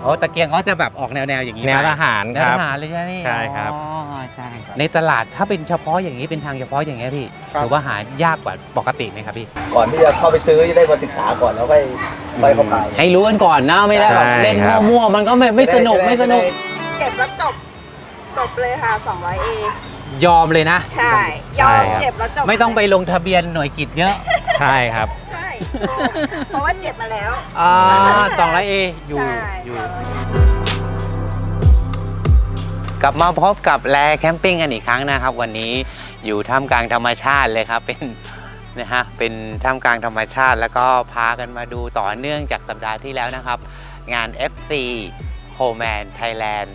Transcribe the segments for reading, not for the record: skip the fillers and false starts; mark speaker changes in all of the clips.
Speaker 1: โอ้ตะเกียงเขาจะแบบออกแนวอย่างนี้
Speaker 2: แนวทหาร
Speaker 1: แน
Speaker 2: คว รั
Speaker 1: ท
Speaker 2: บ
Speaker 1: หารเลยใช่ไหมพี่
Speaker 2: ใช่ครับ
Speaker 1: อ๋อใช่ในตลาดถ้าเป็นเฉพาะอย่างนี้เป็นทางเฉพาะอย่างเงี้ยพี่ถือว่าหายากกว่าปกติไหมครับพี่
Speaker 3: ก่อนที่จะเข้าไปซื้อจะได้มาศึกษาก่อนแล้วค่อยเข้าไป
Speaker 1: ให้รู้กันก่อนนะไม่ได้แบบ
Speaker 2: ใช่
Speaker 1: เล่น
Speaker 2: ครับ
Speaker 1: มั่วๆมันก็ไม่สนุกไม่สนุก
Speaker 4: เก็บแล้วจบเลยค่ะ 200A
Speaker 1: ยอมเลยนะ
Speaker 4: ใช่ยอมเจ็บแล้วจบ
Speaker 1: ไม่ต้องไปลงทะเบียนหน่วยกิจเยอะ
Speaker 2: ใช่ครับ
Speaker 4: ใช่เพราะว่าเจ็บมาแล้ว
Speaker 1: 200A อยู่
Speaker 4: ใช่
Speaker 1: อยู่ กลับมาพบกับแลแคมปิ้งกันอีกครั้งนะครับ วันนี้อยู่ท่ามกลางธรรมชาติเลยครับเป็นท่ามกลางธรรมชาติ แล้วก็พากันมาดูต่อเนื่องจากสัปดาห์ที่แล้วนะครับ งาน FC Coleman Thailand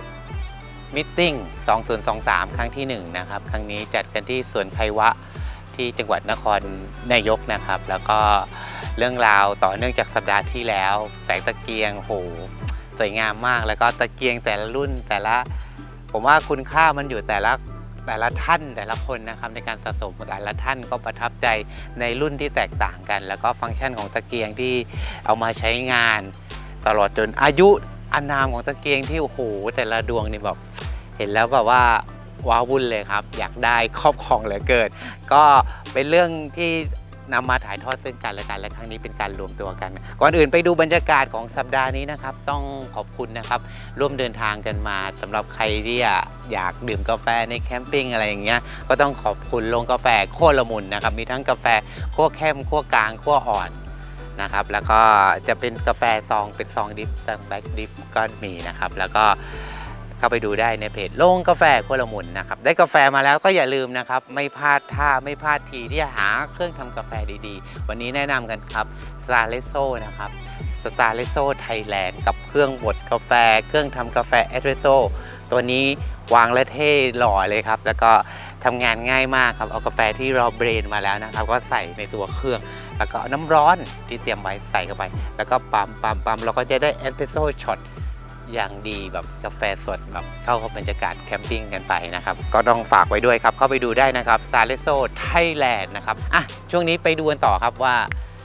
Speaker 1: Meeting 2023 ครั้งที่1นะครับครั้งนี้จัดกันที่สวนไควะที่จังหวัดนครนายกนะครับ แล้วก็เรื่องราวต่อเนื่องจากสัปดาห์ที่แล้วแสงตะเกียงโหสวยงามมากแล้วก็ตะเกียงแต่ละรุ่นแต่ละผมว่าคุณค่ามันอยู่แต่ละท่านแต่ละคนนะครับในการสะสมแต่ละท่านก็ประทับใจในรุ่นที่แตกต่างกัน แล้วก็ฟังก์ชันของตะเกียงที่เอามาใช้งานตลอดจนอายุอานามของตะเกียงที่โอ้โหแต่ละดวงนี่แบบเห็นแล้วแบบว่าว้าวุ่นเลยครับอยากได้ครอบครองเหลือเกินก็เป็นเรื่องที่นำมาถ่ายทอดซึ่งกันและกันและครั้งนี้เป็นการรวมตัวกันก่อนอื่นไปดูบรรยากาศของสัปดาห์นี้นะครับต้องขอบคุณนะครับร่วมเดินทางกันมาสำหรับใครที่อยากดื่มกาแฟในแคมปิ้งอะไรอย่างเงี้ยก็ต้องขอบคุณโรงกาแฟโคตรละมุนนะครับมีทั้งกาแฟคั่วเข้มคั่วกลางคั่วอ่อนนะครับแล้วก็จะเป็นกาแฟซองเป็นซองดิฟซองแบ็กดิฟก็มีนะครับแล้วก็เข้าไปดูได้ในเพจโรงกาแฟโคตรละมุนนะครับได้กาแฟมาแล้วก็อย่าลืมนะครับไม่พลาดท่าไม่พลาดทีที่จะหาเครื่องทำกาแฟดีๆวันนี้แนะนำกันครับสตาร์เลโซนะครับสตาร์เลโซไทยแลนด์กับเครื่องบดกาแฟเครื่องทำกาแฟเอสเปรสโซตัวนี้วางและเท่หล่อเลยครับแล้วก็ทำงานง่ายมากครับเอากาแฟที่เราเบรนมาแล้วนะครับก็ใส่ในตัวเครื่องแล้วก็น้ำร้อนที่เตรียมไว้ใส่เข้าไปแล้วก็ปั๊มเราก็จะได้เอสเปรสโซช็อตอย่างดีแบบกาแฟสดแบบเข้ากับบรรยากาศแคมปิ้งกันไปนะครับก็ต้องฝากไว้ด้วยครับเข้าไปดูได้นะครับ Starleso Thailand นะครับช่วงนี้ไปดูกันต่อครับว่า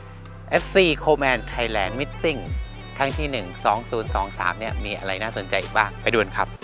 Speaker 1: FC Coleman Thailand Meeting ครั้งที่ 1 2023 เนี่ยมีอะไรน่าสนใจบ้างไปดูกันครับ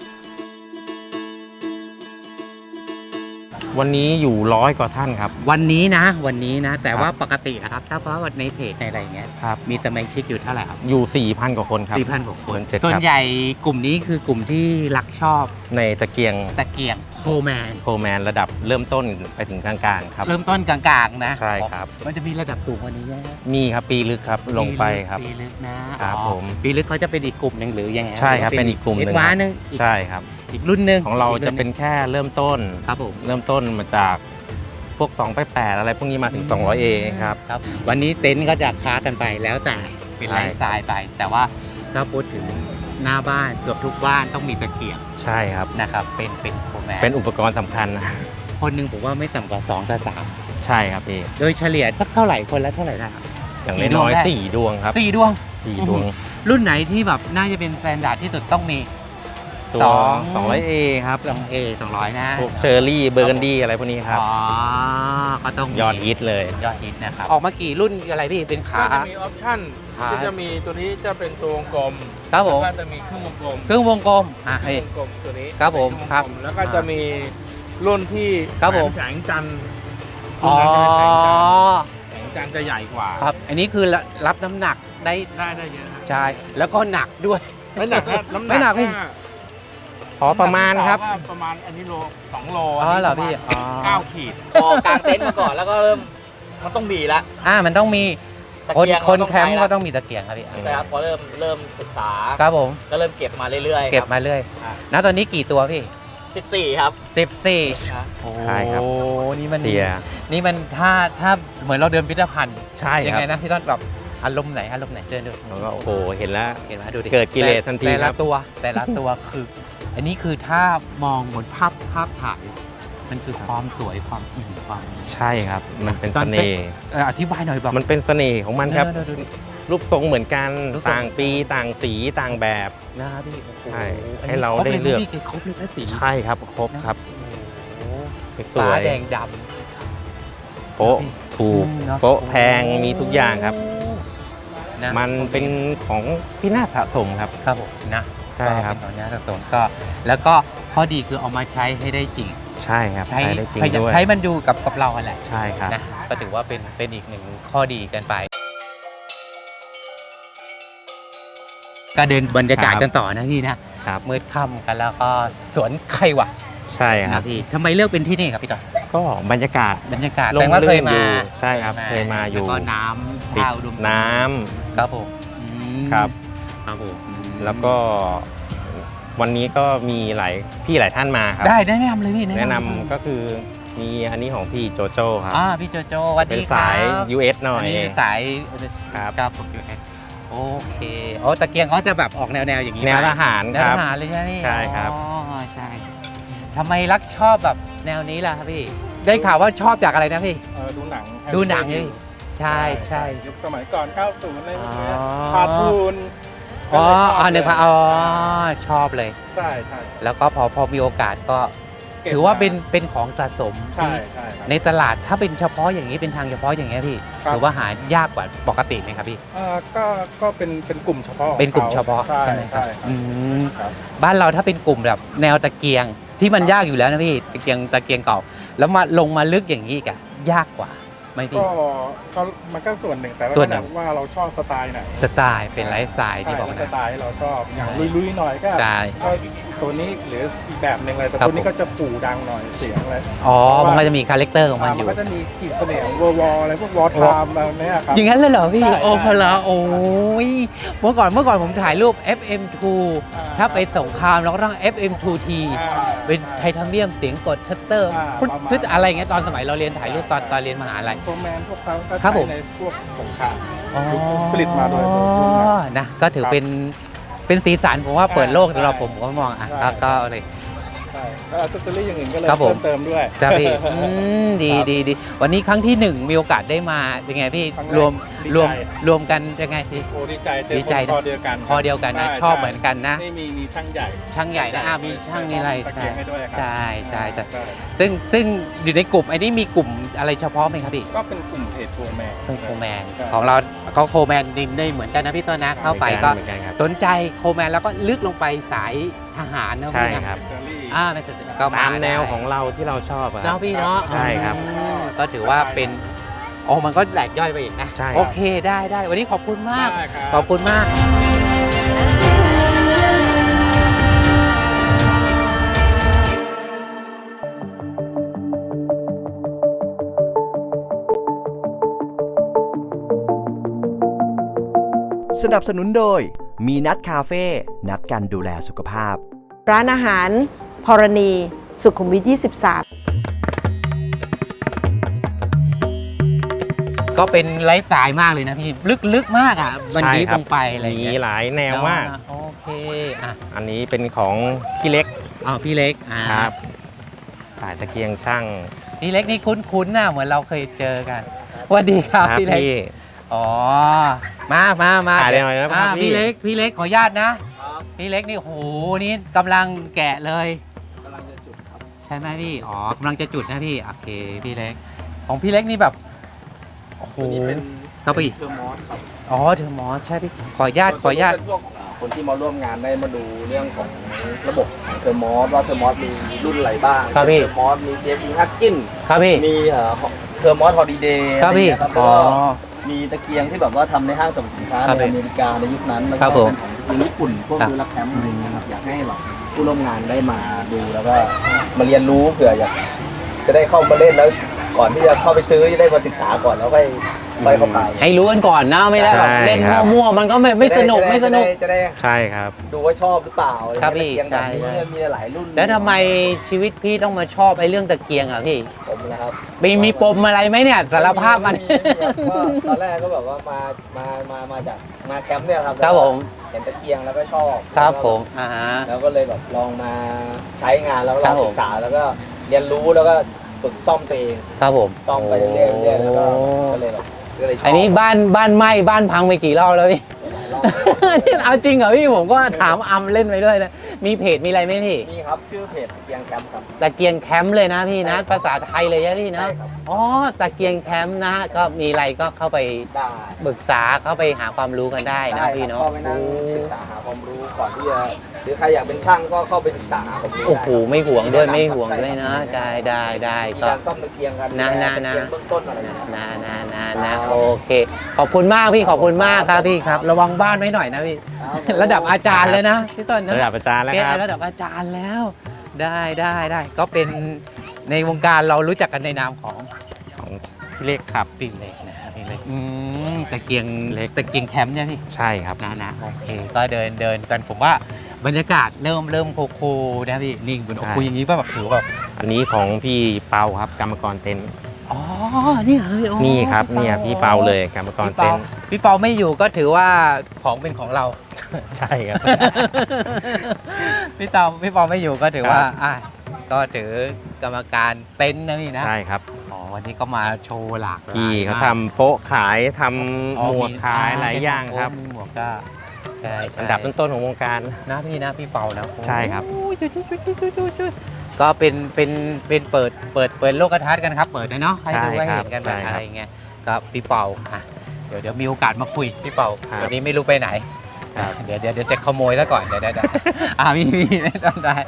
Speaker 2: วันนี้อยู่100 กว่าท่านครับ
Speaker 1: วันนี้นะแต่ว่าปกตินะครับถ้าเพราะว่าในเพจในอะไรอย่างเงี้ย
Speaker 2: ครับ
Speaker 1: มีสมาชิกอยู่เท่าไหร่ครับ
Speaker 2: อยู่ 4,000 กว่าคนครับ
Speaker 1: 4,000 กว่าคน
Speaker 2: เจ็ด
Speaker 1: ส่วน
Speaker 2: ครับ
Speaker 1: ใหญ่กลุ่มนี้คือกลุ่มที่รักชอบ
Speaker 2: ในตะเกียง
Speaker 1: ตะเกียงโคแมน
Speaker 2: โคแมนระดับเริ่มต้นไปถึงกลางๆครับ
Speaker 1: เริ่มต้นกลางๆนะ
Speaker 2: ใช่ครับ
Speaker 1: มันจะมีระดับสูงกว่านี้ไหม
Speaker 2: มีครับปีลึกครับลงไปครับ
Speaker 1: ปีลึกนะครับ
Speaker 2: ผม
Speaker 1: ปีลึกเขาจะเป็นอีกกลุ่มหนึ่งหรือยังไง
Speaker 2: ใช่ครับเป็นอีกกลุ่มหนึ่ง
Speaker 1: วานึง
Speaker 2: ใช่ครับ
Speaker 1: อีกรุ่นหนึ่ง
Speaker 2: ของเราจะเป็นแค่เริ่มต้น
Speaker 1: ครับผม
Speaker 2: เริ่มต้นมาจากพวก2 ไป 8อะไรพวกนี้มาถึง 200A ครับ
Speaker 1: ครับวันนี้เต็นท์ก็จะค้ากันไปแล้วแต่เป็น
Speaker 2: ใช่
Speaker 1: ไลฟ์สไตล์ไป แต่ว่าถ้าพูดถึงหน้าบ้านเกือบทุกบ้านต้องมีตะเกียง
Speaker 2: ใช่ครับ
Speaker 1: นะครับเป็นโคแมน
Speaker 2: เป็นอุปกรณ์สำคัญนะ
Speaker 1: คนหนึ่งผมว่าไม่ต่ำกว่า2 กับ
Speaker 2: ใช่ครับพี่
Speaker 1: 3โดยเฉลี่ยสักเท่าไหร่คนละเท่าไหร่นะครับ
Speaker 2: อย่างน้อยๆ4 ดวงครับ
Speaker 1: 4 ดวง
Speaker 2: 4 ดวง
Speaker 1: รุ่นไหนที่แบบน่าจะเป็นสแตนดาร์ดที่สุดต้องมี
Speaker 2: ตัว 200A ครับ
Speaker 1: 2A 200 นะ
Speaker 2: พวกเชอร์รี่เบอร์กันดี้อะไรพวกนี้ครับ
Speaker 1: อ๋อก็ต้องมี
Speaker 2: ยอดฮิตเลย
Speaker 1: ยอดฮิตนะครับออกมากี่รุ่นอะไรพี่เป็นขา
Speaker 5: ก็จะมีออปชั่น
Speaker 1: ขา
Speaker 5: ก็จะมีตัวนี้จะเป็นตัววงกลม
Speaker 1: ครับผม
Speaker 5: แล้วก็จะมีเครื่องวงกลม
Speaker 1: เครื่องวงกลม
Speaker 5: เครื่
Speaker 1: เฮ้ย
Speaker 5: องวงกลมตัวนี้
Speaker 1: ครับผม
Speaker 5: เป็น
Speaker 1: ครับ
Speaker 5: เคองวงกลแล้วก็จะมีรุ่นที่
Speaker 1: ครับผม
Speaker 5: แสงจันทร์
Speaker 1: อ๋อ
Speaker 5: แสงจันทร์จะใหญ่กว่า
Speaker 1: ครับอันนี้คือรับน้ำหนักได้
Speaker 5: ได้เยอะครับ
Speaker 1: ใช่แล้วก็หนักด้วย
Speaker 5: ไม่หนักนะน้ำหนัก
Speaker 1: ไม่หนักพี่
Speaker 2: พอประมาณครับ
Speaker 5: ว่าประมาณอันนี้โล2 โล
Speaker 1: อ๋อเหรอพี่
Speaker 5: ประมาณ
Speaker 1: อ๋อ
Speaker 5: 9 ขีด
Speaker 3: พอกางเต็นท์มาก่อนแล้วก็เริ่มมันต้องมีละ
Speaker 1: มันต้องมี
Speaker 3: ตะ
Speaker 1: คน
Speaker 3: เกียง
Speaker 1: คน
Speaker 3: เราต้อง
Speaker 1: แคมป์
Speaker 3: ใช้ละ
Speaker 1: ก็ต้องมีตะเกียงครับพี่
Speaker 3: นะครับพอเริ่มศึกษา
Speaker 1: ครับผม
Speaker 3: ก็เริ่มเก็บมาเรื่อยๆ
Speaker 1: เก็บมาเรื่อยณตอนนี้กี่ตัวพี่
Speaker 3: 14 ครับ
Speaker 1: 14
Speaker 3: นะ
Speaker 1: โอ้
Speaker 2: ใช่ครับ
Speaker 1: นี่มัน
Speaker 2: เสีย
Speaker 1: นี่มันถ้าเหมือนเราเดินพิพิธภัณฑ์
Speaker 2: ใช่
Speaker 1: ยั
Speaker 2: ครั
Speaker 1: ไง
Speaker 2: บ
Speaker 1: นะพี่ต้นแบบอารมณ์ไหนเดินดู
Speaker 2: แล้วก็โอ้โหเห็นแล้ว
Speaker 1: เห็นไหมดูดิ
Speaker 2: เกิดกิเลสทันที
Speaker 1: แต่
Speaker 2: ค
Speaker 1: ละ
Speaker 2: รับ
Speaker 1: ตัวคือ อันนี้คือถ้ามองบนภาพถ่ายมันคือความสวยความอิ่มความ
Speaker 2: ใช่ครับ มันเป็น
Speaker 1: ตอ
Speaker 2: เส
Speaker 1: น
Speaker 2: น่ห์
Speaker 1: อธิบายหน่อยแบบ
Speaker 2: มันเป็นเสน่ห์ของมันครับ
Speaker 1: ดูดิ
Speaker 2: รูปทรงเหมือนกัน
Speaker 1: รูปทรง
Speaker 2: ต่างปีต่างสีต่างแบบ
Speaker 1: นะครับพี่โอ้โห
Speaker 2: ใช่
Speaker 1: อันนี้
Speaker 2: ให้เราได้เลือก
Speaker 1: ครบเลยนะสี
Speaker 2: ใช่ครับครบครับ
Speaker 1: โอ้โห
Speaker 2: ส
Speaker 1: ฟ้า
Speaker 2: วย
Speaker 1: แดงด
Speaker 2: โป๊ะถูก
Speaker 1: เนอะ
Speaker 2: โป๊ะแพงมีทุกอย่างครับ
Speaker 1: โนะ
Speaker 2: มันเป็นของที่น่าสะสมครับ
Speaker 1: ครับผมนะ
Speaker 2: ใช่ครับ
Speaker 1: ก็เป็นของน่าสะสมก็แล้วก็ข้อดีคือเอามาใช้ให้ได้จริง
Speaker 2: ใช่ครับใช้ได้จริงด้วย
Speaker 1: ใช้มันอยู่กับเราอะไร
Speaker 2: ใช่ครับ
Speaker 1: นะก็ถือว่าเป็นอีกหนึ่งข้อดีกันไป ก็เดินบรรยากาศกันต่อนะพี่นะครับ มืดค่ำกันแล้วก็สวนไข่หวะ
Speaker 2: ใช่ครั
Speaker 1: นะ
Speaker 2: บ
Speaker 1: พี่ทำไมเลือกเป็นที่นี่ครับพี่ต่อ
Speaker 2: ก็บรรยากาศ
Speaker 1: บรรยากาศ
Speaker 2: ลม
Speaker 1: แต่ว่าเคยมา
Speaker 2: ลื่นอยู่ใช่ครับเคยมาอยู่
Speaker 1: แล้วก็น้ำ
Speaker 2: ติด
Speaker 1: ท่าอุดม
Speaker 2: น้ำ
Speaker 1: ครับผมอืม
Speaker 2: ครับ
Speaker 1: ครับผมอืม
Speaker 2: แล้วก็วันนี้ก็มีหลายท่านมาครับ
Speaker 1: ได้แนะนำเลยพี่
Speaker 2: แนะนำก็คือมีอันนี้ของพี่โจโจ้ครับ
Speaker 1: พี่โจโจสวัส
Speaker 2: เป็
Speaker 1: ดี
Speaker 2: น
Speaker 1: ครับ
Speaker 2: สาย US หน่อย
Speaker 1: อันนี้เป็นสาย
Speaker 2: ครับ
Speaker 1: ครับผม US โอเคโอ้ตะเกียงเขาจะแบบออกแนวอย่างนี้
Speaker 2: แนว
Speaker 1: ไหม
Speaker 2: ทหาร
Speaker 1: แน
Speaker 2: คว รั
Speaker 1: ท
Speaker 2: บ
Speaker 1: หารเลยใช่ไหมพี่
Speaker 2: ใช่ครับ
Speaker 1: อ๋อใช่ทำไมรักชอบแบบแนวนี้ล่ะครับพี่ ได้ข่าวว่าชอบจากอะไรนะพี่
Speaker 5: ดูหนัง
Speaker 1: ดูหนังไงพี่ใช่ใช่
Speaker 5: ยุคสมัยก่อน 90อะไรพวกเนี้ย
Speaker 1: อ๋อ
Speaker 5: คาร์ตูน
Speaker 1: อ๋อ
Speaker 5: ก็เลยชบ
Speaker 1: นึกว่าอ๋อชอบเลย
Speaker 5: ใช่ใช่
Speaker 1: แล้วก็พอมีโอกาสก็
Speaker 5: ก็บ
Speaker 1: ถือว่า
Speaker 5: มา
Speaker 1: เป็นของสะสม
Speaker 5: ใช่ใช่ครับ
Speaker 1: ในตลาดถ้าเป็นเฉพาะอย่างนี้เป็นทางเฉพาะอย่างเงี้ยพี่
Speaker 5: ครับ
Speaker 1: ถือว่าหายากกว่าปกติไหมครับพี่
Speaker 5: ก็เป็นกลุ่มเฉพาะของ
Speaker 1: เป็นกลุ่มเฉพาะ
Speaker 5: ใช่
Speaker 1: ใช่ไหมครับ
Speaker 5: ใช่ครับ
Speaker 1: อืม
Speaker 5: ครับ
Speaker 1: บ้านเราถ้าเป็นกลุ่มแบบแนวตะเกียงที่มันยากอยู่แล้วนะพี่ตะเกียงเก่า แล้วมาลงมาลึกอย่างนี้อีกอะยากกว่าไหมพี่
Speaker 5: ก็มันก็ส่วนหนึ่งแต่ว่า
Speaker 1: ส่วนหนึ่ง
Speaker 5: ว่าเราชอบสไตล์ไหน
Speaker 1: สไตล์เป็นไลฟ์สไตล์ที่บอก
Speaker 5: ส
Speaker 1: นะ
Speaker 5: ไตล์ที่เราชอบอย่างลุยๆหน่อยก็
Speaker 1: ใช่
Speaker 5: ก็ตัวนี้หรืออีกแบบหนึ่งเลยแต่
Speaker 1: ครับ
Speaker 5: ตัวนี้ก็จะปู่ดังหน่อยเสียงเลย
Speaker 1: อ๋อมันก็จะมีคาแรคเตอร์ของมันอยู่
Speaker 5: ก็จะมีขีดเสน่ห์ของวออะไรพวกวอทามอะไรเนี้ยครับ
Speaker 1: อย่างนั้นเลยเหรอพี่
Speaker 5: ใช่
Speaker 1: โอ้
Speaker 5: ใช่
Speaker 1: พละโอ้ยเมื่อก่อนผมถ่ายรูป FM2 ถ้าไปสงครามเราก็ต้อง FM2T เป็นไทเทเนียมเสียงกดชัตเตอร์ พุทอะไรเงี้ยตอนสมัยเราเรียนถ่ายรูปตอนเรียนมหาลัย
Speaker 5: โฟร์แมนพวกเขาก็
Speaker 1: ครับ
Speaker 5: ใช้
Speaker 1: ผม
Speaker 5: ในพวกสงคราม
Speaker 1: อ๋อ
Speaker 5: ผลิตมาโดยรุ่นนั้น
Speaker 1: นะก็ถือ
Speaker 5: ครับ
Speaker 1: เป็นสีสันผมว่าเปิดโลกสำหรับผมก็มองอ่ะ
Speaker 5: ใช่
Speaker 1: ก็เลย
Speaker 5: ใช่ก็อัซเซอรี่อย่างอื่นก็เลย
Speaker 1: ครับผม
Speaker 5: เติมด้วย
Speaker 1: จ้าพี่ดี
Speaker 5: ครับ
Speaker 1: ดีวันนี้ครั้งที่หนึ่งมีโอกาสได้มาเป็นไงพี่
Speaker 5: ครั้งแรก
Speaker 1: รวม
Speaker 5: ดี
Speaker 1: รวม
Speaker 5: ใจ
Speaker 1: รวมกันยังไงพี่
Speaker 5: โอ้ดีใจเจ
Speaker 1: ดี
Speaker 5: อ
Speaker 1: ใจ
Speaker 5: คนคอเดียวกัน
Speaker 1: คอเดียวกันนะ
Speaker 5: ใ
Speaker 1: ชอบเหมือนกันนะ
Speaker 5: นี่มีช่างใหญ่
Speaker 1: ช่างใหญ่นะมีช่างมีอะไร
Speaker 5: ตะเกียงให้ด้วยครับ
Speaker 1: ใช่ใช่ซึ่งอยู่ในกลุ่มไอ้นี่มีกลุ่มอะไรเฉพาะไหมครับพี่
Speaker 5: ก็เป็นกลุ่มเพจโฟร์แมน
Speaker 1: เป็นโคแมน
Speaker 5: ใช่
Speaker 1: ของเราก็โคแมนดินได้เหมือนกันนะพี่ต้นนะเข้าไปก็
Speaker 2: เหมือนกันครับ
Speaker 1: สนใจโคแมนแล้วก็ลึกลงไปสายทหารนะ
Speaker 2: ใช่
Speaker 1: พี่นะครับ
Speaker 5: เจอรี่
Speaker 1: ไม่ใช่ก็
Speaker 2: ตามแนว
Speaker 1: ได้
Speaker 2: ของเราที่เราชอบอะค
Speaker 1: เนาะ
Speaker 2: รับ
Speaker 1: พี่เนาะ
Speaker 2: ใช่ครับ
Speaker 1: ก็ถือว่าเป็นโอ้มันก็แหลกย่อยไปอีกนะ
Speaker 2: ใช่
Speaker 1: โอเคได้วันนี้ขอบคุณมาก
Speaker 5: ได้ครับ
Speaker 1: ขอบคุณมาก
Speaker 6: สนับสนุนโดยมีนัดคาเฟ่นัดกันดูแลสุขภาพ
Speaker 4: ร้านอาหารพรณี สุขุมวิท 23
Speaker 1: ก็เป็นไลฟ์สไตล์มากเลยนะพี่ลึกมากอ่ะมัน
Speaker 2: ใช่
Speaker 1: ยิบ
Speaker 2: ครั
Speaker 1: ลงไปอะไรอย่าง
Speaker 2: มี
Speaker 1: เงี้ย
Speaker 2: หลายแนวมาก
Speaker 1: โอเคอ่ะ
Speaker 2: อันนี้เป็นของพี่เล็ก
Speaker 1: พี่เล็ก
Speaker 2: ครับสายตะเกียงช่าง
Speaker 1: พี่เล็กนี่คุ้นๆนะเหมือนเราเคยเจอกันสวัสดีครับพี่เล็ก อ๋อมา
Speaker 2: ถ่ายได้หน่อยนะครับพี่
Speaker 1: พี่เล็กขออนุญาตนะ พี่เล็กนี่โหนี่กำลังแกะเลยใช่ไหมพี่กำลังจะจุดนะพี่โอเคพี่เล็กของพี่เล็กนี่แบบโอ้โห
Speaker 3: ตัวนี้เป็น
Speaker 1: ครับพี่
Speaker 3: เทอร์มอสครับ
Speaker 1: เทอร์มอสใช่พี่ขออนุญาต
Speaker 3: เป็นพวกคนที่มาร่วมงานได้มาดูเรื่องของระบบของเทอร์มอสว่าเทอร์มอสมีรุ่นอะไรบ้าง
Speaker 1: ครับพี่
Speaker 3: เทอร์มอสมี DSC ฮักกิน
Speaker 1: ครับพี่
Speaker 3: มีเทอร์มอสฮอลิเดย์
Speaker 1: ครับพี่
Speaker 3: แล้วก็มีตะเกียงที่แบบว่าทำในห้างสรรพสินค้า
Speaker 1: ครับ
Speaker 3: ใน
Speaker 1: พี่
Speaker 3: อเมริกาในยุคนั้นแล้ว
Speaker 1: ครั
Speaker 3: ก็
Speaker 1: บผม
Speaker 3: เป็นของญี่ปุ่นพวก
Speaker 1: ครับ
Speaker 3: ดูรับแคมป์อะไรอย่างเงี้ยครับอยากให้แบบผู้ร่วมงานได้มาดูแล้วก็มาเรียนรู้เผื่ออยากจะได้เข้ามาเล่นแล้วก่อนที่จะเข้าไปซื้อจะได้มาศึกษาก่อนแล้วค่อยเข้าไป
Speaker 1: ให้รู้กันก่อนนะไม่ได้แบบ
Speaker 2: ใช่
Speaker 1: เล่น
Speaker 2: ครับ
Speaker 1: มั่วๆมันก็ไม่สนุกไม่สนุก
Speaker 3: จะได้
Speaker 2: ใช่ครับ
Speaker 3: ดูว่าชอบหรือเปล่าอะไ
Speaker 1: ครับพี่
Speaker 3: ตะเกียงแบบนี้
Speaker 1: ใช่
Speaker 3: มีหลายรุ่น
Speaker 1: แล้วทำไมชีวิตพี่ต้องมาชอบไอ้เรื่องตะเกียงอ่ะพี่
Speaker 3: ผมนะครับ
Speaker 1: มีปมอะไรไหมเนี่ยสารภาพมัน
Speaker 3: ก็ตอนแรกก็แบบว่ามาจากมาแคมป์เนี่ยครับ
Speaker 1: ครับผม
Speaker 3: เห็นตะเกียงแล้วก็ชอบ
Speaker 1: ครับ
Speaker 3: แล้วก็
Speaker 1: ผม
Speaker 3: แล้วก็เลยแบบลองมาใช้งานแล้ว
Speaker 1: ค
Speaker 3: ล
Speaker 1: รั
Speaker 3: อบ ง
Speaker 1: ผม
Speaker 3: ศึกษาแล้วก็เรียนรู้แล้วก็ฝึกซ่อมตัวเอง
Speaker 1: ครับผม
Speaker 3: ซ่อมไปเรื่อยๆแล้วก็เลยแบบก็เลยชอบ
Speaker 1: อันนี้บ้านไหม้บ้านพังไปกี่รอบแล้วพี่
Speaker 3: หลายร
Speaker 1: นี่เอาจริงเหรอพี่ผมก็ถามอำเล่นไปด้วยนะมีเพจมีอะไรไหมพี่
Speaker 3: นี่ครับชื่อเพจตะเกียงแคมป์ครับ
Speaker 1: ตะเกียงแคมป์เลยนะพี่นะ
Speaker 3: ใช่ครับ
Speaker 1: ภาษาไทยเลยนะพี่นะ
Speaker 3: ใช่ครับ
Speaker 1: อ๋อตะเกียงแคมป์นะก็มีอะไรก็เข้าไป
Speaker 3: ได้
Speaker 1: ปรึกษาเข้าไปหาความรู้กันได้นะพี่เนาะ
Speaker 3: เข้าไปนั่งศึกษาหาความรู้ก่อนที่จะหรือใครอยากเป็นช่างก็เข้าไปศึกษาหาความรู้
Speaker 1: โอ้โห
Speaker 3: ได้
Speaker 1: ไม่ห่วงด้วยไม่ห่วงด้วยนะได้
Speaker 3: มี
Speaker 1: ก็
Speaker 3: การซ่อมตะเกียงกัน
Speaker 1: นะ
Speaker 3: ตะเกียงเบื้องต้นอะไรอย่างเงี้ย
Speaker 1: นะโอเค ขอบคุณมากพี่ขอบคุณมากครับพี่ครับ ระวังบ้านไว้หน่อยนะพี่ ระดับอาจารย์เลยนะพี่ต้นนะ
Speaker 2: ระดับอาจารย์แล้ว
Speaker 1: เป็น
Speaker 2: ครับ
Speaker 1: ระดับอาจารย์แล้ว ได้ก็เป็นในวงการเรารู้จักกันในนามของ
Speaker 2: ของพี่เล็กครับ
Speaker 1: ปีเล็กนะครับปีเล็กตะเกียง
Speaker 2: เล็ก
Speaker 1: ตะเกียงแคมป์เนี่ยพี่
Speaker 2: ใช่ครับ
Speaker 1: นะโอเคก็เดินกันผมว่าบรรยากาศเริ่มคูลๆนะพี่นิ่งบน
Speaker 2: ใช่
Speaker 1: คุยอย่างนี้ป่ะแบบถือแบบ
Speaker 2: อันนี้ของพี่เปาครับกรรมกรเต็นท์
Speaker 1: อ๋อนี่เหรอพี่โอ้
Speaker 2: นี่ครับเนี่ยพี่เปาเลยกรรมกร
Speaker 1: พี่
Speaker 2: เต็
Speaker 1: เปาน
Speaker 2: ท์
Speaker 1: พี่เปาไม่อยู่ก็ถือว่าของเป็นของเรา
Speaker 2: ใช่ครับ
Speaker 1: พี่เปาไม่อยู่ก็ถือว่า
Speaker 2: ครับ
Speaker 1: ก็ถือกรรมการเต็นท์นะพี่นะ
Speaker 2: ใช่ครับ
Speaker 1: อ๋อวันนี้ก็มาโชว์หลากหลาย
Speaker 2: พี่เขา
Speaker 1: มก
Speaker 2: ทำโป๊ะขายท
Speaker 1: อ๋อ
Speaker 2: ำหมวกขายหลายอย่างครับ
Speaker 1: มีหมวกก็ใช่
Speaker 2: อันดับต้นๆของวงการ
Speaker 1: นะพี่เปานะ
Speaker 2: ใช่ครับ
Speaker 1: โอ้ยจุ๊ยก็เป็นเปิดโลกทัศน์กันครับ เปิดนะเนาะให้ดู
Speaker 2: ใช่
Speaker 1: ให้
Speaker 2: ครับ
Speaker 1: เห็นกันแบบ
Speaker 2: ใช่ครับ
Speaker 1: อะไรเงี้ยก็พี่เปาเดี๋ยวมีโอกาสมาคุยพี่เปา
Speaker 2: ครับ
Speaker 1: วันนี้ไม่รู้ไปไหน
Speaker 2: ครับ
Speaker 1: เดี๋ยวจะขโมยซะก่อนเดี๋ยวพี่ไม่ต้องได้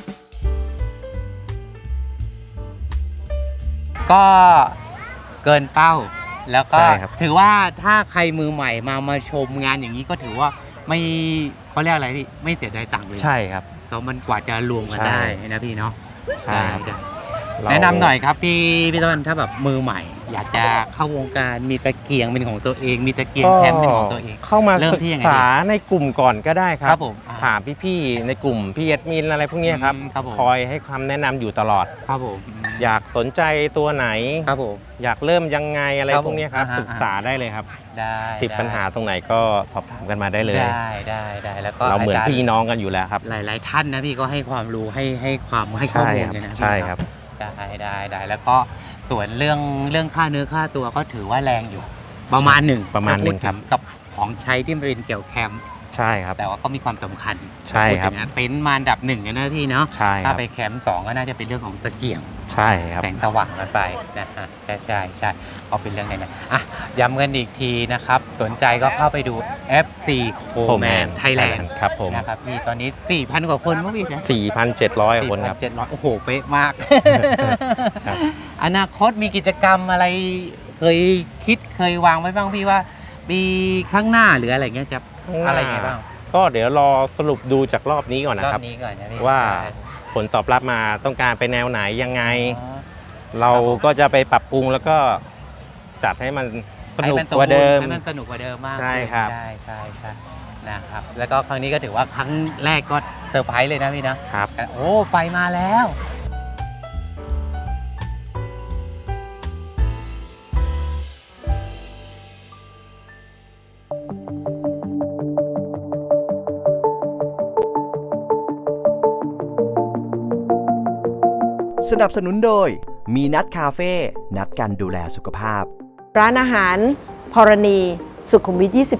Speaker 1: ก็เกินเป้า แล้วก็
Speaker 2: ใช่ครับ
Speaker 1: ถือว่าถ้าใครมือใหม่มาชมงานอย่างนี้ก็ถือว่าไม่เขาเรียกอะไรพี่ไม่เสียดายตังค์เลย
Speaker 2: ใช่ครับ
Speaker 1: แล้วมันกว่าจะรวมกัน
Speaker 2: ใช่
Speaker 1: ได้นะพี่เนาะ
Speaker 2: ใช่ครับ
Speaker 1: ได้
Speaker 2: เรา
Speaker 1: แนะนำหน่อยครับพี่ต้นถ้าแบบมือใหม่ อยากจะเข้าวงการมีตะเกียงเป็นของตัวเอง มีตะเกียงแคมป์เป็นของตัวเอง
Speaker 2: เข้ามา
Speaker 1: เริ่ม
Speaker 2: ศึก
Speaker 1: ที่ยังไง
Speaker 2: ษาในกลุ่มก่อนก็ได้ครั
Speaker 1: ครับ บผม
Speaker 2: ถามพี่ๆในกลุ่มพี่แอดมินอะไรพวกเนี้ยครับ
Speaker 1: ครับผม
Speaker 2: คอยให้คำแนะนำอยู่ตลอด
Speaker 1: ครับผม
Speaker 2: อยากสนใจตัวไหน
Speaker 1: ครับผม
Speaker 2: อยากเริ่มยังไงอะไร
Speaker 1: ครับ
Speaker 2: พวกเนี้ยครับ
Speaker 1: ผม
Speaker 2: ศึกษาได้เลยครับ
Speaker 1: ได้
Speaker 2: ติดปัญหาตรงไหนก็สอบถามกันมาได้เลย
Speaker 1: ได้แล้วก็
Speaker 2: เราเหมือน
Speaker 1: จย์
Speaker 2: พี่น้องกันอยู่แล้วครับ
Speaker 1: หลาย ๆ ท่านนะพี่ก็ให้ความรู้ให้ข้อมูลเลยนะ
Speaker 2: ใช่ครับ
Speaker 1: ได้แล้วก็ส่วนเรื่องค่าเนื้อค่าตัวก็ถือว่าแรงอยู่ ประมาณหนึ่ง
Speaker 2: ประมาณหนึ่ง
Speaker 1: ถ้พูด
Speaker 2: ครับ
Speaker 1: ถึกับของใช้ที่เป็นเกี่ยวแคมป์
Speaker 2: ใช่ครับ
Speaker 1: แต่ว่าก็มีความสำคัญ
Speaker 2: ใช่ครับ
Speaker 1: พูดถึงนะเต็นท์มาอันดับหนึ่งเลยนะพี่เนาะ
Speaker 2: ใช่ค
Speaker 1: ถ้า
Speaker 2: รับ
Speaker 1: ไปแคมป์สองก็น่าจะเป็นเรื่องของตะเกียง
Speaker 2: ใช่ครับ
Speaker 1: แสงสว่างกันไปนะฮะใช่ก็เป็นเรื่องนั้นย้ำกันอีกทีนะครับสนใจก็เข้าไปดู FC Co-Man Thailand
Speaker 2: ครับผม
Speaker 1: นะครับพี่ตอนนี้ 4,000 กว่าคนมั้งพี่ใช่
Speaker 2: 4,700 คนครับ
Speaker 1: 4,700โอ้โห เป๊ะมาก
Speaker 2: ครับ
Speaker 1: อนาคตมีกิจกรรมอะไรเคยวางไว้บ้างพี่ว่าปีข้างหน้าหรืออะไรเงี้ยจะอะไรไงบ้าง
Speaker 2: ก็เดี๋ยวรอสรุปดูจากรอบนี้ก่อน
Speaker 1: ร
Speaker 2: นะ
Speaker 1: อ
Speaker 2: ครับ
Speaker 1: บนี้ก่อนนะพี่
Speaker 2: ว่าผลตอบรับมาต้องการไปแนวไหนยังไง
Speaker 1: อ๋อ
Speaker 2: เราก็จะไปปรับปรุงแล้วก็จัดให้มันสนุก
Speaker 1: ให้
Speaker 2: กว่าเดิม
Speaker 1: ให้มันสนุกกว่าเดิมมาก
Speaker 2: ใช่ครับ
Speaker 1: ใช่นะครับแล้วก็ครั้งนี้ก็ถือว่าครั้งแรกก็เซอร์ไพรส์เลยนะพี่นะครับ โอ้ไฟมาแล้ว
Speaker 6: สนับสนุนโดย มีนัดคาเฟ่ นัดกันดูแลสุขภาพ
Speaker 7: ร้านอาหารพรณี สุขุมวิท 23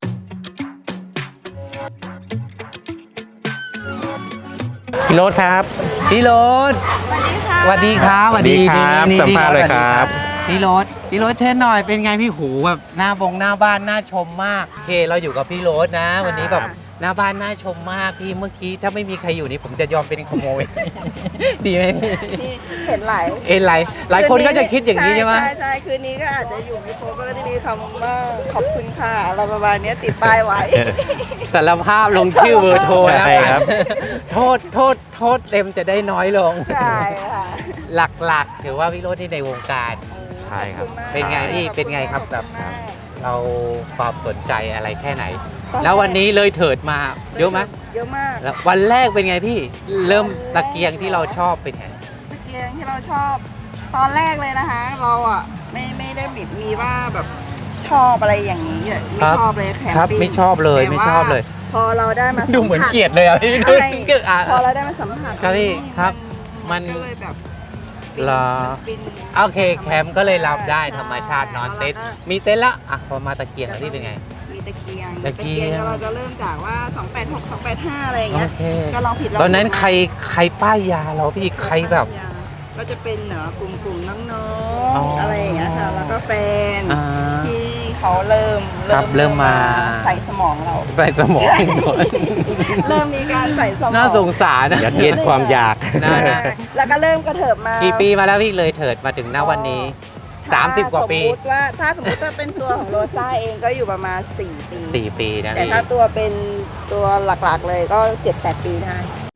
Speaker 2: พี่โรถครับ
Speaker 1: พี่โรสสวัสดีครับ
Speaker 2: สวัสดีครับ
Speaker 1: นี่
Speaker 2: สัมภาษณ์เลยครับ
Speaker 1: พี่โรสเชิญหน่อยเป็นไงพี่หูแบบหน้าบ้านน่าชมมากโอเคเราอยู่กับพี่โรสนะ วันนี้แบบหน้าบ้านน่าชมมากพี่เมื่อกี้ถ้าไม่มีใครอยู่นี่ผมจะยอมเป็นขโมย ดีไหมพี่
Speaker 4: นี่เห็นหลาย
Speaker 1: หลายคนก็จะคิดอย่างนี้ใช่ไหม
Speaker 4: ใช่คืนนี้ก็อาจจะอยู่ไม่ครบก็จะมีคำว่าขอบคุณค่ะอะไรประมาณเนี้ยติดป้ายไว้
Speaker 1: สารภาพลงชื่อเบอร์โทรแล้ว
Speaker 2: ใช่ครับ
Speaker 1: โทษเต็มจะได้น้อยลง
Speaker 4: ใช่ค่ะ
Speaker 1: หลักๆถือว่าพี่โรสที่ในวงการ
Speaker 2: ใช่ครับ
Speaker 4: ขอณมาก
Speaker 1: เป็นไงพี่เป็นไงครับแบบ
Speaker 4: ขอณมาก
Speaker 1: เราความสนใจอะไรแค่ไหน แล้ววันนี้เลยเถิดมาเยอะไหม
Speaker 4: เยอะมาก
Speaker 1: แล้ววันแรกเป็นไงพี่ เริ่มตะเกียงที่เราชอบเป็นไง
Speaker 4: ตะเกียงที่เราชอบ ตอนแรกเลยนะคะ เราอ่ะไม่ได้มีว่าแบบชอบอะไรอย่างนี้ไม่ชอบเลยแคม
Speaker 1: ครับ
Speaker 4: ปิ้ง
Speaker 1: ไม่ชอบเลย
Speaker 4: แต่
Speaker 1: ไม่ชอบเลย
Speaker 4: พอเราได้มาสัมผัส
Speaker 1: ดูเหมือนเกลียดเลยอ่ะพี่
Speaker 4: ใช่ พอเรา
Speaker 1: อ่ะ
Speaker 4: ได้มาสัมผัส
Speaker 1: ครับพี่ครับมัน
Speaker 4: ก็เลยแบบ
Speaker 1: เหรอ
Speaker 4: ฟิน
Speaker 1: โอเคแคมป์ก็เลยรับได้ธรรมชาตินอนเต็นท์มีเต็นท์ละอ่ะพอมาตะเกียงแล้วพี่เป็นไง
Speaker 4: มีตะเกียง
Speaker 1: ตะเกียง
Speaker 4: เราจะเริ่มจากว่า 286 285 อะไรอย่าง
Speaker 1: โอ
Speaker 4: เงี้ย
Speaker 1: เค
Speaker 4: ก็ลองผิดลอง
Speaker 1: ตอนนั้น
Speaker 4: ถูก
Speaker 1: ใครป้ายยาเราพี่ใครแบบ
Speaker 4: ก็จะเป็นกลุ่มน้อ
Speaker 1: อ๋อ
Speaker 4: งๆอะไรอย่างเงี้ยค่ะ แล้วก็แฟน
Speaker 1: อ่า
Speaker 4: ที่เขาเริ่ม
Speaker 1: ครับเริ่มมา
Speaker 4: ใส่สมองเรา
Speaker 1: ใส่สมองก่อน
Speaker 4: เริ่มมีการใส่สมอง
Speaker 1: น่าสงสารนะ
Speaker 2: ยัดเยียดความอยาก
Speaker 1: นะ
Speaker 4: แล้วก็เริ่มกระเถิบมา
Speaker 1: กี่ปีมาแล้วพี่เลยเถิดมาถึงณวันนี้ 30 กว่าปี
Speaker 4: ถ้าสมมติว่าเป็นตัวของโรซ่าเองก็อยู่ประมาณ 4 ปี
Speaker 1: 4 ปีนะ
Speaker 4: แต่
Speaker 1: พี่
Speaker 4: ถ้าตัวเป็นตัวหลักๆเลยก็ 7-8 ปีได้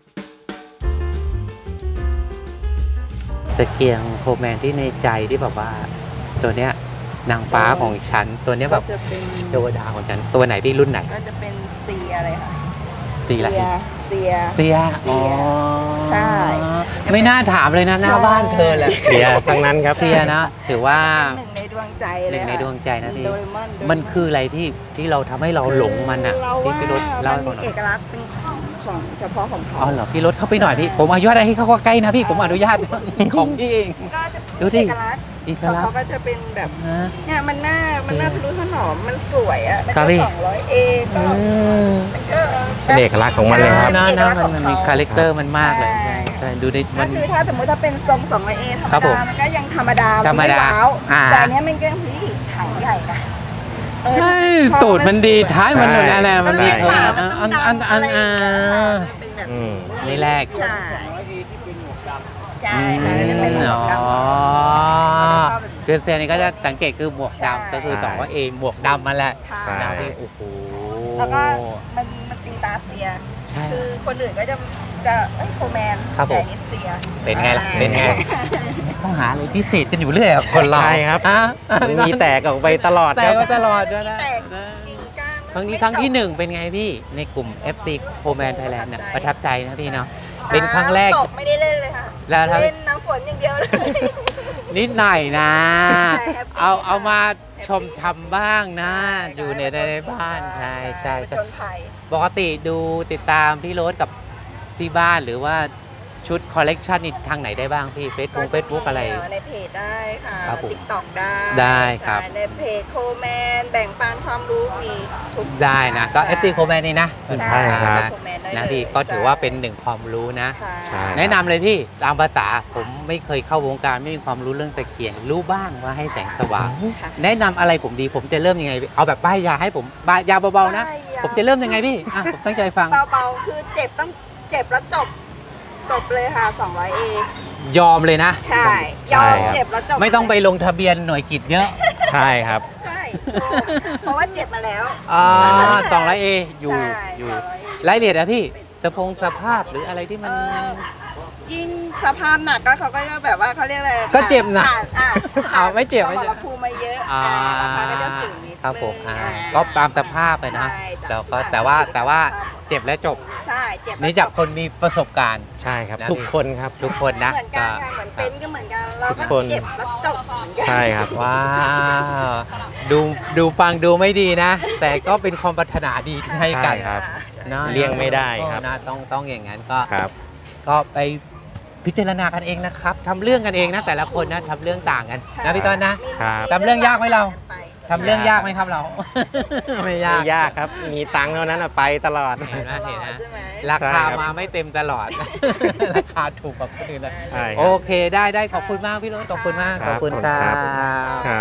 Speaker 1: ตะเกียงโคแมนที่ในใจที่แบบว่า ตัวเนี้ยนางฟ้าของฉันตัวเนี้ยแบบ
Speaker 4: ก็จะเป็น
Speaker 1: เทวดาของฉันตัวไหนพี่รุ่นไหน
Speaker 4: ก็จะเป็นเซียอะไรค่ะ
Speaker 1: สีอะไร
Speaker 4: เซีย
Speaker 1: เสียอ๋อ
Speaker 4: ใช่
Speaker 1: ไม่น่าถามเลยนะหน้าบ้านเธอแหละ
Speaker 2: เสียทั้งนั้นครับ
Speaker 1: เสียนะถือว่า
Speaker 4: หนึ่งในดวงใจ
Speaker 1: ห
Speaker 4: เลย
Speaker 1: นึ่งในดวงใจนะพี่
Speaker 4: โดเรมอน
Speaker 1: มันคืออะไรพี่ที่เราทำให้เราหลงมันอ่ะ
Speaker 4: เรา
Speaker 1: ที่
Speaker 4: ว่า
Speaker 1: พี่รถเล่าให้
Speaker 4: มั
Speaker 1: ฟั
Speaker 4: น
Speaker 1: งห
Speaker 4: มี
Speaker 1: น่อย
Speaker 4: เอกลักษณ์เป็นของเฉพาะของเขา
Speaker 1: อ๋อเหรอพี่รถเข้าไปหน่อยพี่ผมอนุญาตให้เข้าใกล้นะพี่ผมอนุญาต ของพี่เอง
Speaker 4: ก็จะ
Speaker 1: ดูดิ
Speaker 4: เอกลักษณ์
Speaker 1: อีก
Speaker 4: ของ
Speaker 1: แล้ว
Speaker 4: เขาก็จะเป็นแบบ
Speaker 1: ฮะ
Speaker 4: เนี่ยมันน่าทะนุถนอมมันสวยอ่ะมัน
Speaker 1: ครับ
Speaker 4: ก็
Speaker 1: พี่
Speaker 4: 200A ก็
Speaker 2: เป็นเอกลักษณ์ของมันเลยครับ
Speaker 1: นะ
Speaker 4: เอก
Speaker 1: นะ
Speaker 4: ลักษณ์
Speaker 1: มันมี
Speaker 4: ของเขา
Speaker 1: คาแรคเตอร์มันมากเลย
Speaker 4: ใช่
Speaker 1: ใช่ดูดิ
Speaker 4: ก็
Speaker 1: มัน
Speaker 4: คือถ้าสมมติถ้าเป็นทรง 200A ธรร
Speaker 1: ครับ
Speaker 4: ม
Speaker 1: ผม
Speaker 4: ดามันก็ยังธรรมดา
Speaker 1: ธรรมดา
Speaker 4: ไว้าว
Speaker 1: อ่า
Speaker 4: แต่อันเนี้ยมันก็คือถังใหญ่นะเออ
Speaker 1: ใช่
Speaker 4: ชอบ
Speaker 1: ตูดมันดีท้ายมันหมดนั่นแหละมันมี
Speaker 2: ใช่
Speaker 1: อัน
Speaker 4: เป็นแบบ
Speaker 2: อืม
Speaker 1: นี่แรก
Speaker 4: ใช่ใช่ค่ะจะเป็นหมวกดำ
Speaker 1: อ๋อ
Speaker 4: ชอบแบบนี้
Speaker 1: คือเซียนนี่ก็จะสังเกตคือหมวก
Speaker 4: ใช่
Speaker 1: ดำก็คือสองว่าเอหมวกดำมาแหละ
Speaker 4: ใช่
Speaker 2: ใช่
Speaker 1: นะพี่โอ้โห
Speaker 4: แล้วก็มันตีตาเซีย
Speaker 1: ใช่
Speaker 4: คือคนอื่นก็จะโคแมน
Speaker 1: ครับผม
Speaker 4: แต่อันนี่เซีย
Speaker 1: เป็นไงล่ะเป็นไง ต้องหาอะไรพิเศษกันอยู่เรื่อยอะคนเรา
Speaker 2: ใช่ครับ
Speaker 1: อ่ะ
Speaker 2: มันมีแตกออกไปตลอด
Speaker 1: แต่
Speaker 2: ครับ
Speaker 1: ก็ตลอดด้วยนะ
Speaker 4: แตกกิ่งก้าน
Speaker 1: ครั้งนี้ครั้งที่หนึ่งเป็นไงพี่ในกลุ่ม FT c o m a n Thailand เนี่ยประทับใจนะพี่เนาะเป็นครั้งแรก
Speaker 4: น้ำตกไม่ได้เล่นเลยค่ะ
Speaker 1: แล้วถ้า
Speaker 4: เล่นน้ำฝนอย่างเดียวเลย
Speaker 1: นิดหน่อยนะ
Speaker 4: ใช่แฮปปี้
Speaker 1: เอามาชมทำบ้างนะ
Speaker 4: ใช่
Speaker 1: อยู่ในบ้านใช่ใช่
Speaker 4: ผ
Speaker 1: ใช่
Speaker 4: จญภัย
Speaker 1: ปกติดูติดตามพี่โรสกับที่บ้านหรือว่าชุดคอลเลกชันนี่ทางไหนได้บ้างพี่เฟซบุ๊กอะไร
Speaker 4: ในเพจได้ค่ะ
Speaker 1: ครับผม
Speaker 4: ติ๊กต็อกได้
Speaker 1: ได้ครับ
Speaker 4: ใช่ในเพจโคแมนแบ่งปันความรู้มีทุก
Speaker 1: ได้นะ ก็
Speaker 4: ใช่
Speaker 1: FT c o m a n นี่นะ
Speaker 2: ใช่ครับ
Speaker 4: โคแมนได้
Speaker 1: นะ
Speaker 4: เลย
Speaker 1: พี่ก็ถือว่าเป็นหนึ่งความรู้นะ
Speaker 4: ค่ะ
Speaker 2: ใช่
Speaker 1: แนะนำเลยพี่ตามภาษาผมไม่เคยเข้าวงการไม่มีความรู้เรื่องตะเกียงรู้บ้างว่าให้แสงสว่าง
Speaker 4: ค่ะ
Speaker 1: แนะนำอะไรผมดีผมจะเริ่มยังไงเอาแบบป้ายยาให้ผมป้ายยาเบาๆนะ
Speaker 4: ป้ายยา
Speaker 1: ผมจะเริ่มยังไงพี่อ่ะผมตั้งใจฟัง
Speaker 4: เบาๆคือเจ็บต้องเจ็บแล้วจบเลยค่ะ 200A
Speaker 1: ยอมเลยนะ
Speaker 4: ใช่ยอม
Speaker 2: ใช่ครับ
Speaker 4: เจ็บแล้วจบ
Speaker 1: ไม่ต้องไปลงทะเบียนหน่วยกิจเยอะ
Speaker 2: ใช่ครับ
Speaker 4: ใช่เพราะว่าเจ็บมาแล้ว
Speaker 1: 200A อยู่
Speaker 4: ใช่
Speaker 1: อยู่
Speaker 4: 200A
Speaker 1: รายละเอียดอะพี่สภาพหรืออะไรที่มัน
Speaker 4: ยิ่งสภาพหนักก็เขาก็จะแบบว่าเขาเรียกอะไร
Speaker 1: ก็เจ็บหนัก
Speaker 4: ผ่า
Speaker 1: ไม่เจ็บ
Speaker 4: ส
Speaker 1: ไม่
Speaker 4: ม
Speaker 1: เจ็บ
Speaker 4: รภูมิมาเยอะ
Speaker 1: อ่า
Speaker 4: ราคาก็จะสูงนิด
Speaker 1: ครับผม
Speaker 4: นึง
Speaker 1: ก็ตามสภาพไปนะ
Speaker 4: ใช่จ้ะ
Speaker 1: แล้วก็แต่ว่าเจ็บและจบ
Speaker 4: ใช่เจ็บแล้ว
Speaker 1: นี่จากคนมีประสบการณ์
Speaker 2: ใช่ครับ
Speaker 1: นะ
Speaker 2: ทุกคนครับ
Speaker 1: ทุกคนนะ
Speaker 4: เหมือนกันค่ะเหมือนเป็นก็เหมือนกันเรา
Speaker 2: ทุ
Speaker 4: ก็
Speaker 2: กคน
Speaker 4: เจ็บแล้วจบเหมือนกัน
Speaker 2: ใช่ครับ
Speaker 1: ว้าวดูฟังดูไม่ดีนะ แต่ก็เป็นความปรารถนาดีที่ให้กัน
Speaker 2: ใช่ครับ
Speaker 1: นะ
Speaker 2: เลี่ยงไม่ได้ครับ
Speaker 1: นะต้องอย่างนั้นก็
Speaker 2: ครับ
Speaker 1: ก็ไปพิจารณากันเองนะครับทำเรื่องกันเองนะแต่ละคนนะทำเรื่องต่างกันนะพี่ต้นนะครับ ทำเรื่องยากไหมเราทำเรื่องยากไหมครับเรา ไม่ยาก
Speaker 2: ไม่ยากครับ มีตังค์เท่านั้นอะไปตลอด
Speaker 1: เห็นไหมเห็นนะ
Speaker 4: ใช่ไหม
Speaker 1: ราคา
Speaker 2: ใช่ครับ
Speaker 1: มาไม่เต็มตลอด ราคาถูกกว่าคนอื่นเลย
Speaker 2: ใช่ค
Speaker 1: โอ
Speaker 2: รับ
Speaker 1: เคได้ขอบคุณมากพี่รถขอบคุณมาก
Speaker 2: ค
Speaker 1: ข
Speaker 2: รั
Speaker 1: อ
Speaker 2: บบ
Speaker 1: คุณครั
Speaker 2: ครับ
Speaker 1: บ
Speaker 2: ครับ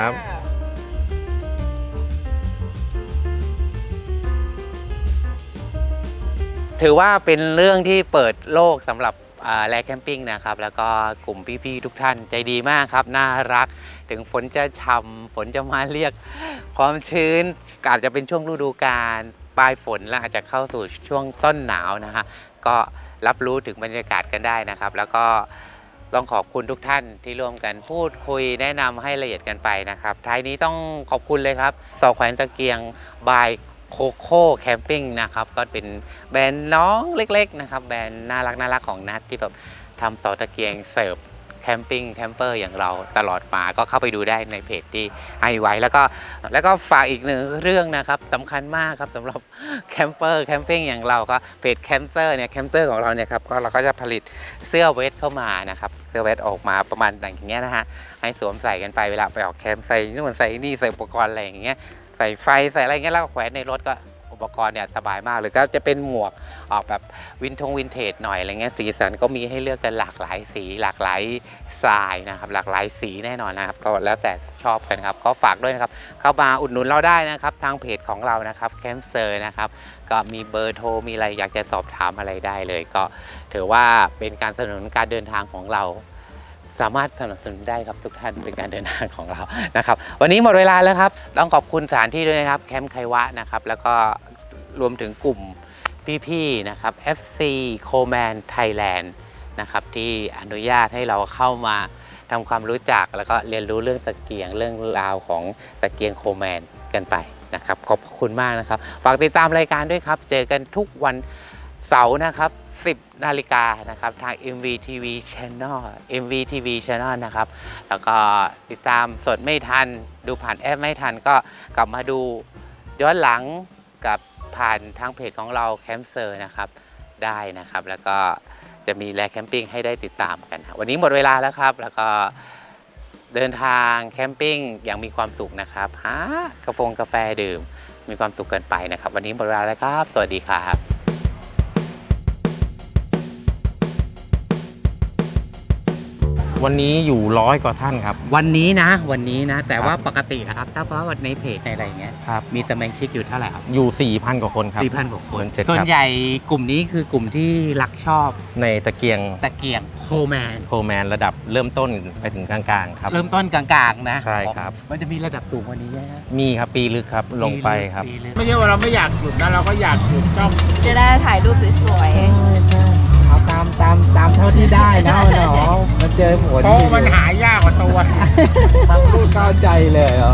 Speaker 1: ถือว่าเป็นเรื่องที่เปิดโลกสำหรับแลแคมปิ้งนะครับแล้วก็กลุ่มพี่ๆทุกท่านใจดีมากครับน่ารักถึงฝนจะช่ำฝนจะมาเรียกความชื้นอาจจะเป็นช่วงฤดูกาลปลายฝนแล้วอาจจะเข้าสู่ช่วงต้นหนาวนะฮะก็รับรู้ถึงบรรยากาศกันได้นะครับ แล้วก็ต้องขอบคุณทุกท่านที่ร่วมกันพูดคุยแนะนำให้ละเอียดกันไปนะครับท้ายนี้ต้องขอบคุณเลยครับสอแขวนตะเกียงบายโคโค่แคมปิ้งนะครับก็เป็นแบรนด์น้องเล็กๆนะครับแบรนด์น่ารักของนัทที่แบบทำเสาตะเกียงเสิร์ฟแคมปิ้งแคมเปอร์อย่างเราตลอดมาก็เข้าไปดูได้ในเพจที่ให้ไว้แล้วก็ฝากอีกหนึ่งเรื่องนะครับสำคัญมากครับสำหรับแคมเปอร์แคมปิ้งอย่างเราก็เพจแคมเปอร์เนี่ยแคมเปอร์ของเราเนี่ยครับก็เราก็จะผลิตเสื้อเวทเข้ามานะครับเสื้อเวทออกมาประมาณอย่างเงี้ยนะฮะให้สวมใส่กันไปเวลาไปออกแคมป์ใส่นู่นใส่นี่ใส่อุปกรณ์อะไรอย่างเงี้ยใส่ไฟใส่อะไรเงี้ยแล้วก็แขวนในรถก็อุปกรณ์เนี่ยสบายมากเลยก็จะเป็นหมวกออกแบบวินเทจหน่อยอะไรเงี้ยสีสันก็มีให้เลือกกันหลากหลายสีหลากหลายทรายนะครับหลากหลายสีแน่นอนนะครับก็แล้วแต่ชอบกันครับก็ฝากด้วยนะครับเข้ามาอุดหนุนเราได้นะครับทางเพจของเรานะครับแคมป์เซอร์นะครับก็มีเบอร์โทรมีอะไรอยากจะสอบถามอะไรได้เลยก็ถือว่าเป็นการสนับสนุนการเดินทางของเราสามารถสนับสนุนได้ครับทุกท่านเป็นการเดินทางของเรานะครับวันนี้หมดเวลาแล้วครับต้องขอบคุณสถานที่ด้วยนะครับแคมป์ไควะนะครับแล้วก็รวมถึงกลุ่มพี่ๆนะครับ FC Coleman Thailand นะครับที่อนุญาตให้เราเข้ามาทำความรู้จักแล้วก็เรียนรู้เรื่องตะเกียงเรื่องราวของตะเกียงโคแมนกันไปนะครับขอบคุณมากนะครับฝากติดตามรายการด้วยครับเจอกันทุกวันเสาร์นะครับ10 นาฬิกานะครับทาง MVTV Channel MVTV Channel นะครับแล้วก็ติดตามสดไม่ทันดูผ่านแอปไม่ทันก็กลับมาดูย้อนหลังกับผ่านทางเพจของเราแคมป์เซอร์นะครับได้นะครับแล้วก็จะมีแลแคมปิ้งให้ได้ติดตามกันวันนี้หมดเวลาแล้วครับแล้วก็เดินทางแคมปิ้งอย่างมีความสุขนะครับหากาแฟดื่มมีความสุขกันไปนะครับวันนี้หมดเวลาแล้วครับสวัสดีครับ
Speaker 2: วันนี้อยู่100 กว่าท่านครับ
Speaker 1: วันนี้นะแต่ว่าปกตินะครับถ้าเพราะว่าในเพจในอะไรเงี้ย
Speaker 2: ครับ
Speaker 1: มีสมาชิกอยู่เท่าไหร่ครับ
Speaker 2: อยู่ 4,000 กว่าคนครับ
Speaker 1: 4,000 กว่าคน
Speaker 2: เจ็ด
Speaker 1: ส่วน
Speaker 2: ครับ
Speaker 1: ใหญ่กลุ่มนี้คือกลุ่มที่รักชอบ
Speaker 2: ในตะเกียง
Speaker 1: ตะเกียงโคแมน
Speaker 2: โคแมนระดับเริ่มต้นไปถึงกลางๆครับ
Speaker 1: เริ่มต้นกลางๆนะ
Speaker 2: ใช่ครับ
Speaker 1: มันจะมีระดับสูงกว่านี้ไหมฮะ
Speaker 2: มีครับปีลึกครับลงไปครับ
Speaker 1: ปีลึก
Speaker 5: ไม่ใช่ว่าเราไม่อยากหยุดนะเราก็อยากหยุดจ้อง
Speaker 4: จะได้ถ่ายรูปสวย
Speaker 1: เอาตามเท่าที่ได้นะเนาะมันเจอผล
Speaker 5: เพราะมันหายากกว่าตัว
Speaker 1: พูดเข้าใจเลยเหรอ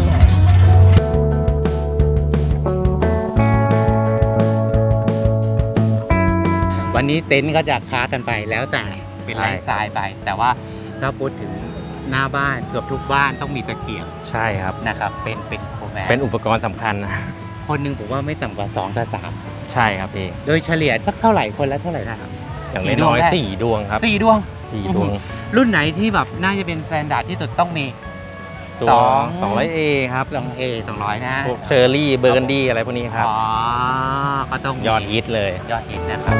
Speaker 1: วันนี้เต็นท์ก็จะค้ากันไปแล้วแต่เป็นไลฟ์สไตล์ไป แต่ว่าถ้าพูดถึงหน้าบ้านเกือบทุกบ้านต้องมีตะเกียง
Speaker 2: ใช่ครับ
Speaker 1: นะครับเป็นโคแมน
Speaker 2: เป็นอุปกรณ์สำคัญนะ
Speaker 1: คนหนึ่งผมว่าไม่ต่ำกว่า2 กับ
Speaker 2: ใช่ครับพี่
Speaker 1: 3โดยเฉลี่ยสักเท่าไหร่คนละเท่าไหร่นะครับ
Speaker 2: อย่าง
Speaker 1: กี่ดวง
Speaker 2: น้อย
Speaker 1: ได้
Speaker 2: ๆ4 ดวงครับ
Speaker 1: 4 ดวง
Speaker 2: 4 ดวง
Speaker 1: รุ่นไหนที่แบบน่าจะเป็นสแตนดาร์ดที่สุดต้องมี
Speaker 2: ตัว 200A ครับ
Speaker 1: 2A 200 นะ
Speaker 2: พวกเชอร์รี่เบอร์กันดี้อะไรพวกนี้ครับ
Speaker 1: อ๋อก็ต้องมี
Speaker 2: ยอดฮิตเลย
Speaker 1: ยอดฮิตนะครับ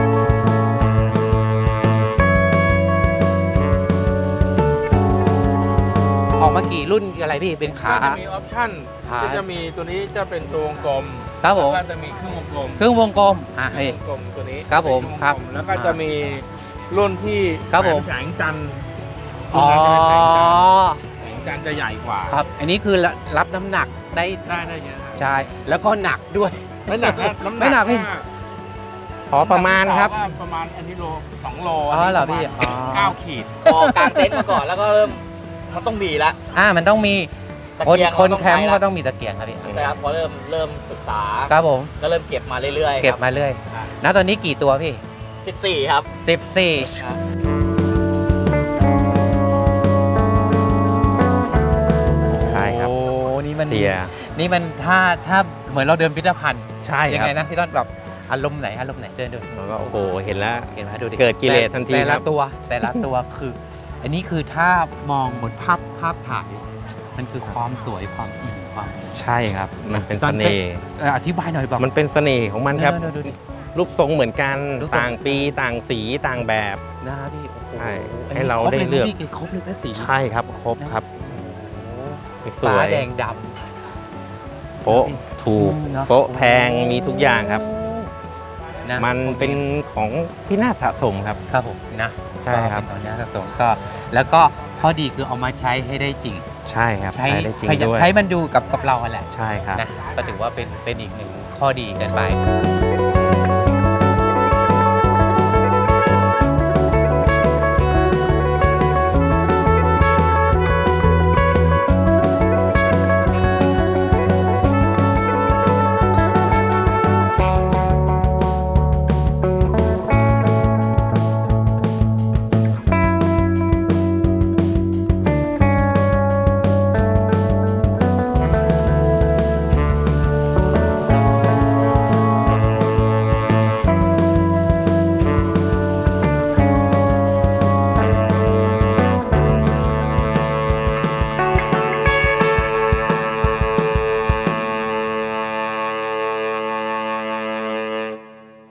Speaker 1: ออกมากี่รุ่นอะไรพี่เป็นขา
Speaker 5: ก็จะมีออปชั่น
Speaker 1: ขา
Speaker 5: ก็จะมีตัวนี้จะเป็นตัววงกลม
Speaker 1: ครับผม
Speaker 5: แล้วก็จะมีครึ่งวงกลม
Speaker 1: เครื่องวงกลม
Speaker 5: ครึ่
Speaker 1: เฮ้ย
Speaker 5: งวงกลมตัวนี้
Speaker 1: ครับผม
Speaker 5: เป็น
Speaker 1: ครับ
Speaker 5: วงกลแล้วก็จะมีรุ่นที่
Speaker 1: ครับผม
Speaker 5: แสงจันทร์
Speaker 1: อ๋อ
Speaker 5: แสงจันทร์จะใหญ่กว่า
Speaker 1: ครับ อันนี้คือรับน้ำหนักได้
Speaker 5: ได้เยอะครับ
Speaker 1: ใช่แล้วก็หนักด้วย
Speaker 5: ไม่หนักนะน้ำหนัก
Speaker 1: ไม่หนักพี่
Speaker 2: พอประมาณครับ
Speaker 5: ว่าประมาณอันนี้โล2 โล
Speaker 1: อ๋อเหรอพี่
Speaker 5: ประมาณ
Speaker 1: อ๋อ
Speaker 5: 9 ขีด
Speaker 3: พอกางเต็นท์มาก่อนแล้วก็เริ่มมันต้องมีละ
Speaker 1: มันต้องมี
Speaker 3: ตะ
Speaker 1: คน
Speaker 3: เกียง
Speaker 1: คน
Speaker 3: เราต้อง
Speaker 1: แคมป์
Speaker 3: ใช้ละ
Speaker 1: ก็ต้องมีตะเกียงครับพี่
Speaker 3: นะครับพอเริ่มศึกษา
Speaker 1: ครับผม
Speaker 3: ก็เริ่มเก็บมาเรื่อยๆ
Speaker 1: เก็บมาเรื่อยณตอนนี้กี่ตัวพี่
Speaker 3: 14 ครับ
Speaker 1: 14
Speaker 3: ครับ
Speaker 2: ใช่ครับ
Speaker 1: โอ้นี่มัน
Speaker 2: เสีย
Speaker 1: นี่มันถ้าเหมือนเราเดินพิพิธภัณฑ์
Speaker 2: ใช่
Speaker 1: ยั
Speaker 2: ครับ
Speaker 1: ไงนะพี่ต้นแบบอารมณ์ไหนเดินดู
Speaker 2: แล้วก็โอ้โหเห็นแล้ว
Speaker 1: เห็นไหมดูดิ
Speaker 2: เกิดกิเลสทันที
Speaker 1: แต่
Speaker 2: ครั
Speaker 1: ละ
Speaker 2: บ
Speaker 1: ตัวคือ อันนี้คือถ้ามองบนภาพถ่าย มันคือความสวยความอิ่มความ
Speaker 2: ใช่ครับ มันเป็นเสน่ห์
Speaker 1: อธิบายหน่อยแบบ
Speaker 2: มันเป็นเสน่ห์ของมันครับ
Speaker 1: ดูดิ
Speaker 2: รูปทรงเหมือนกัน
Speaker 1: รูปทรง
Speaker 2: ต่างปีต่างสีต่างแบบ
Speaker 1: นะครับพี่โอ้โห
Speaker 2: ใช่
Speaker 1: อันนี้
Speaker 2: ให้เราได้เลือก
Speaker 1: ครบเลยนะสี
Speaker 2: ใช่ครับครบครับ ส
Speaker 1: ฟ้า
Speaker 2: วย
Speaker 1: แดงด
Speaker 2: โป๊ะถูก
Speaker 1: เนอะ
Speaker 2: โป๊ะแพงมีทุกอย่างครับ
Speaker 1: ำนะ
Speaker 2: มันเป็นของที่น่าสะสมครับ
Speaker 1: ครับผมนะ
Speaker 2: ใช่ครับ
Speaker 1: ก็เป็นของน่าสะสมก็แล้วก็ข้อดีคือเอามาใช้ให้ได้จริง
Speaker 2: ใช่ครับ ใช้ได้จริงด้วย
Speaker 1: ใช้มันดูกับเราแหละ
Speaker 2: ใช่ครับ
Speaker 1: นะก็ถือว่าเป็นอีกหนึ่งข้อดีกันไป